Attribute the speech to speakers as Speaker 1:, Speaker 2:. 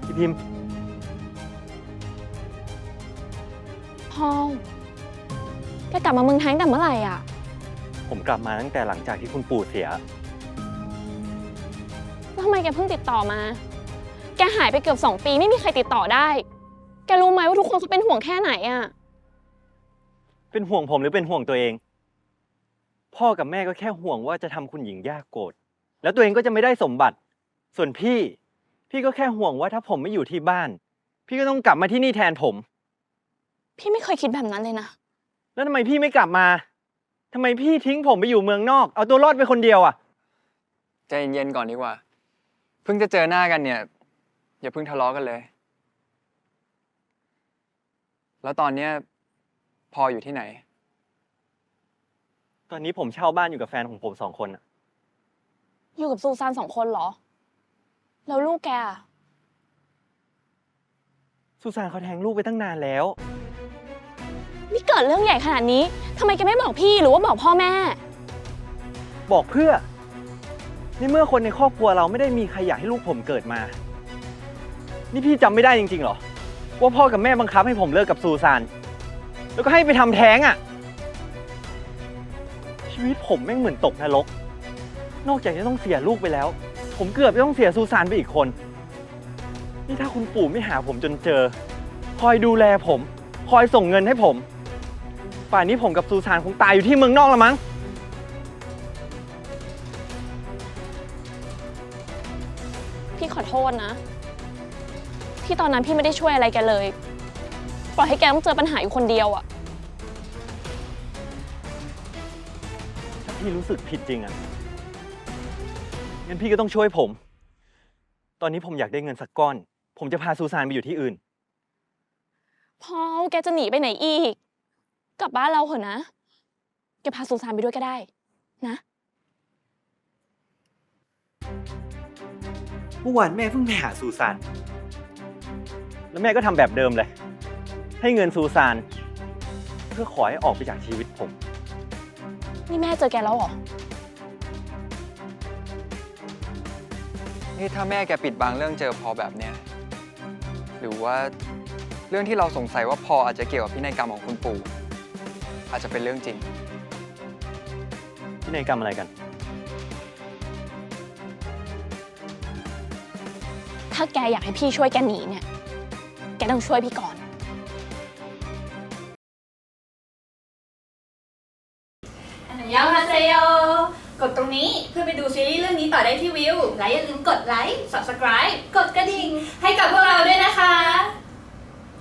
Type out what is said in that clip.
Speaker 1: พี่พิมพ์
Speaker 2: พอลแกกลับมาเมืองไทยตั้งแต่เมื่อไหร่อ่ะ
Speaker 1: ผมกลับมาตั้งแต่หลังจากที่คุณปู่เสีย
Speaker 2: แล้วทำไมแกเพิ่งติดต่อมาแกหายไปเกือบ2 ปีไม่มีใครติดต่อได้แกรู้ไหมว่าทุกคนเขาเป็นห่วงแค่ไหนอ่ะ
Speaker 1: เป็นห่วงผมหรือเป็นห่วงตัวเองพ่อกับแม่ก็แค่ห่วงว่าจะทำคุณหญิงยากโกรธแล้วตัวเองก็จะไม่ได้สมบัติส่วนพี่ก็แค่ห่วงว่าถ้าผมไม่อยู่ที่บ้านพี่ก็ต้องกลับมาที่นี่แทนผม
Speaker 2: พี่ไม่เคยคิดแบบนั้นเลยนะ
Speaker 1: แล้วทำไมพี่ไม่กลับมาทำไมพี่ทิ้งผมไปอยู่เมืองนอกเอาตัวรอดไปคนเดียวอ่ะ
Speaker 3: ใจเย็นๆก่อนดีกว่าเพิ่งจะเจอหน้ากันเนี่ยอย่าเพิ่งทะเลาะกันเลยแล้วตอนเนี้ยพออยู่ที่ไหน
Speaker 1: ตอนนี้ผมเช่าบ้านอยู่กับแฟนของผม2 คนอ่ะ
Speaker 2: อยู่กับซูซาน2 คนเหรอแล้วลูกแกอะ
Speaker 1: ซูซานเขาแทงลูกไปตั้งนานแล้ว
Speaker 2: นี่เกิดเรื่องใหญ่ขนาดนี้ทำไมแกไม่บอกพี่หรือว่าบอกพ่อแม่
Speaker 1: บอกเพื่อในเมื่อคนในครอบครัวเราไม่ได้มีใครอยากให้ลูกผมเกิดมานี่พี่จำไม่ได้จริงๆหรอว่าพ่อกับแม่บังคับให้ผมเลิกกับซูซานแล้วก็ให้ไปทำแท้งอ่ะชีวิตผมแม่งเหมือนตกนรกนอกจากจะต้องเสียลูกไปแล้วผมเกือบจะต้องเสียซูซานไปอีกคนนี่ถ้าคุณปู่ไม่หาผมจนเจอคอยดูแลผมคอยส่งเงินให้ผมป่านนี้ผมกับซูซานคงตายอยู่ที่เมืองนอกแล้วมั้ง
Speaker 2: พี่ขอโทษนะที่ตอนนั้นพี่ไม่ได้ช่วยอะไรแกเลยปล่อยให้แกต้องเจอปัญหาอยู่คนเดียวอะ
Speaker 1: ถ้าพี่รู้สึกผิดจริงอ่ะงั้นพี่ก็ต้องช่วยผมตอนนี้ผมอยากได้เงินสักก้อนผมจะพาซูซานไปอยู่ที่อื่น
Speaker 2: พอลแกจะหนีไปไหนอีกกลับบ้านเราเถอะนะแกพาซูซานไปด้วยก็ได้นะ
Speaker 1: เมื่อวานแม่เพิ่งไปหาซูซานแล้วแม่ก็ทำแบบเดิมเลยให้เงินซูซานเพื่อขอให้ออกไปจากชีวิตผม
Speaker 2: นี่แม่เจอแกแล้วเหรอ
Speaker 3: นี่ถ้าแม่แกปิดบังเรื่องเจอพอแบบเนี้ยหรือว่าเรื่องที่เราสงสัยว่าพออาจจะเกี่ยวกับพินัยกรรมของคุณปู่อาจจะเป็นเรื่องจริง
Speaker 1: พินัยกรรมอะไรกัน
Speaker 2: ถ้าแกอยากให้พี่ช่วยแกหนีเนี่ยแกต้องช่วยพี่ก่อน
Speaker 4: ยองฮาเซโยกดตรงนี้เพื่อไปดูซีรีส์เรื่องนี้ต่อได้ที่วิวและอย่าลืมกดไลค์ Subscribe กดกระดิ่งให้กับพวกเรา